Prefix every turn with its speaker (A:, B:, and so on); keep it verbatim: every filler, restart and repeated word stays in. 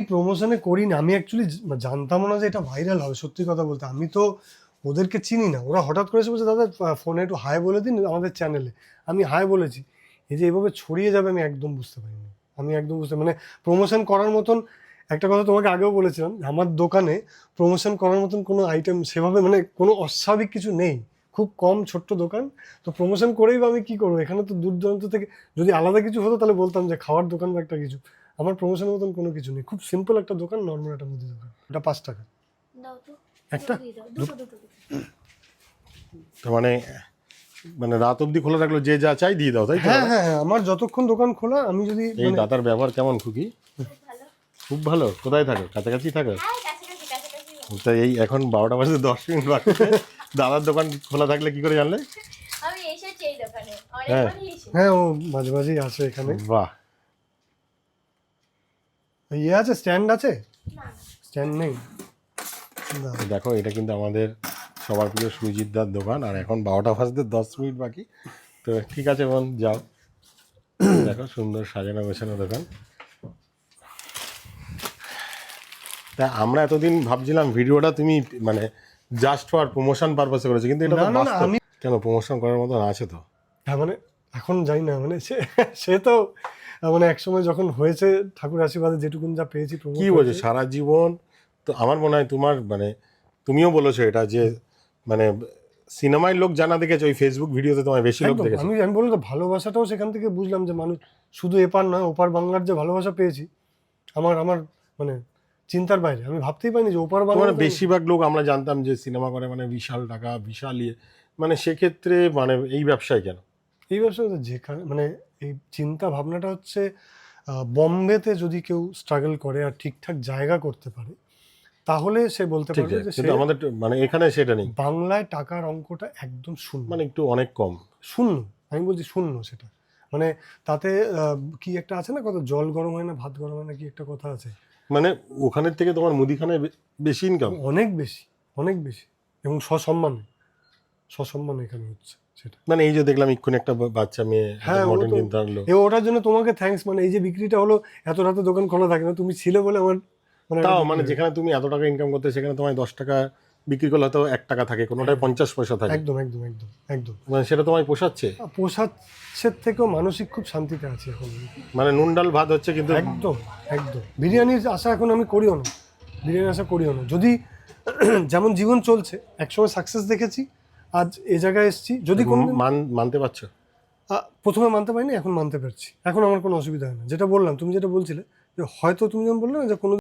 A: প্রমোশনে করি না, আমি অ্যাকচুয়ালি জানতাম না যে এটা ভাইরাল হবে। সত্যি কথা বলতে আমি তো ওদেরকে চিনি না, ওরা হঠাৎ করে এসে বলছে দাদা ফোনে একটু হাই বলে দিন আমাদের চ্যানেলে। আমি হাই বলেছি, এই যে এভাবে ছড়িয়ে যাবে আমি একদম বুঝতে পারিনি। আমি একদম বুঝতে মানে প্রমোশন করার মতন একটা কথা তোমাকে আগেও বলেছিলাম, আমার দোকানে প্রমোশন করার মতন কোনো আইটেম সেভাবে মানে কোনো অস্বাভাবিক কিছু নেই, খুব কম ছোট্ট দোকান। তো প্রমোশন করেই বা আমি কী করবো, এখানে তো দূর দূরান্ত থেকে যদি আলাদা কিছু হতো তাহলে বলতাম যে খাওয়ার দোকান বা একটা কিছু। আমার প্রমোশনের মতন কোনো কিছু নেই, খুব সিম্পল একটা দোকান, নর্মাল একটা মুদি দোকান। এটা পাঁচ টাকা একটা।
B: মানে মানে রাত অবধি খোলা রাখলো, যে যা চাই দিয়ে দাও, তাই তো?
A: হ্যাঁ হ্যাঁ হ্যাঁ, আমার যতক্ষণ দোকান খোলা আমি যদি
B: এই দাদার ব্যবহার কেমন খুকি? খুব ভালো। কোথায় থাকো? কাছাকাছি থাকো? তা এই এখন বারোটা বাজে দশ মিনিট বাকি, দাদার দোকান খোলা থাকলে কি করে জানলে?
C: আমি এসেছি এই দোকানে
B: হ্যাঁ
A: হ্যাঁ ও মাঝে মাঝেই আসে এখানে।
B: বাহ,
A: ইয়ে আছে, স্ট্যান্ড আছে? স্ট্যান্ড নেই।
B: দেখো এটা কিন্তু আমাদের সবার প্রিয় সুজিতদার দোকান, আর এখন বারোটা বাজতে দশ মিনিট বাকি। তো ঠিক আছে বোন, যাও। দেখো সুন্দর সাজানো গোছানো দোকান। তা আমরা এতদিন ভাবছিলাম ভিডিওটা তুমি মানে জাস্ট ফর প্রমোশন পারপাসে করেছো, কিন্তু এটা তো বাস্তব।
A: আমি
B: কেন প্রমোশন করার মতন আছে তো?
A: হ্যাঁ মানে এখন যাই না, মানে সে সে তো মানে একসময় যখন হয়েছে ঠাকুর আশীর্বাদে যেটুকুন যা পেয়েছি।
B: কি বলছো সারা জীবন? তো আমার মনে হয় তোমার মানে তুমিও বলেছো এটা যে মানে সিনেমায় লোক জানা দেখেছো, ওই ফেসবুক ভিডিওতে তোমার বেশি লোক দেখেছে।
A: আমি আমি বললাম তো ভালোবাসাটাও সেখান থেকে বুঝলাম যে মানুষ শুধু এপার নয় ওপার বাংলার যে ভালোবাসা পেয়েছি আমার আমার মানে চিন্তার বাইরে। আমি ভাবতেই পারিনি যে ওপার বাংলা।
B: মানে বেশিরভাগ লোক আমরা জানতাম যে সিনেমা করে মানে বিশাল টাকা বিশাল ইয়ে, মানে সেক্ষেত্রে মানে এই ব্যবসায় কেন?
A: এই ব্যবসা যেখানে মানে এই চিন্তা ভাবনাটা হচ্ছে বম্বেতে যদি কেউ স্ট্রাগল করে আর ঠিকঠাক জায়গা করতে পারে তাহলে সে বলতে পারবে যে
B: কিন্তু আমাদের মানে এখানে সেটা নেই।
A: বাংলায় টাকার অঙ্কটা একদম শূন্য,
B: মানে একটু অনেক কম,
A: শূন্য। আমি বলছি শূন্য। সেটা মানে তাতে কি একটা আছে না, কত জল গরম হয় না ভাত গরম হয় না, কি একটা কথা আছে।
B: মানে ওখানের থেকে তোমার মুদিখানায় বেশি ইনকাম,
A: অনেক বেশি, অনেক বেশি, এবং সসম্মানে সসম্মানে এখানে হচ্ছে সেটা।
B: মানে এই যে দেখলাম এক্ষুনি একটা বাচ্চা মেয়ে
A: হ্যাঁ
B: মডেল কিনতে আসলো,
A: এ ওটার জন্য তোমাকে থ্যাঙ্কস। মানে এই যে বিক্রিটা হলো, এত রাতে দোকান খোলা থাকে না, তুমি ছিলে বলে আমার মানে
B: তাও মানে যেখানে তুমি এত টাকা ইনকাম করতে সেখানে তোমায় দশ টাকা বিক্রি করলে হয়তো এক টাকা থাকে, কোনোটায় পঞ্চাশ পয়সা থাকে।
A: একদম একদম একদম একদম
B: মানে সেটা তোমায় পোষাচ্ছে?
A: পোষাচ্ছের থেকেও মানসিক খুব শান্তিতে আছি এখন।
B: মানে নুন ডাল ভাত হচ্ছে, কিন্তু
A: একদম একদম বিরিয়ানির আশা এখন আমি করিও না, বিরিয়ানির আশা করিও না। যদি যেমন জীবন চলছে, একসময় সাকসেস দেখেছি, আজ এ জায়গায় এসেছি। যদি কোনো
B: মানতে পারছো?
A: প্রথমে মানতে পারিনি, এখন মানতে পারছি। এখন আমার কোনো অসুবিধা হয় না। যেটা বললাম, তুমি যেটা বলছিলে যে হয়তো তুমি যেমন বললে না যে কোনো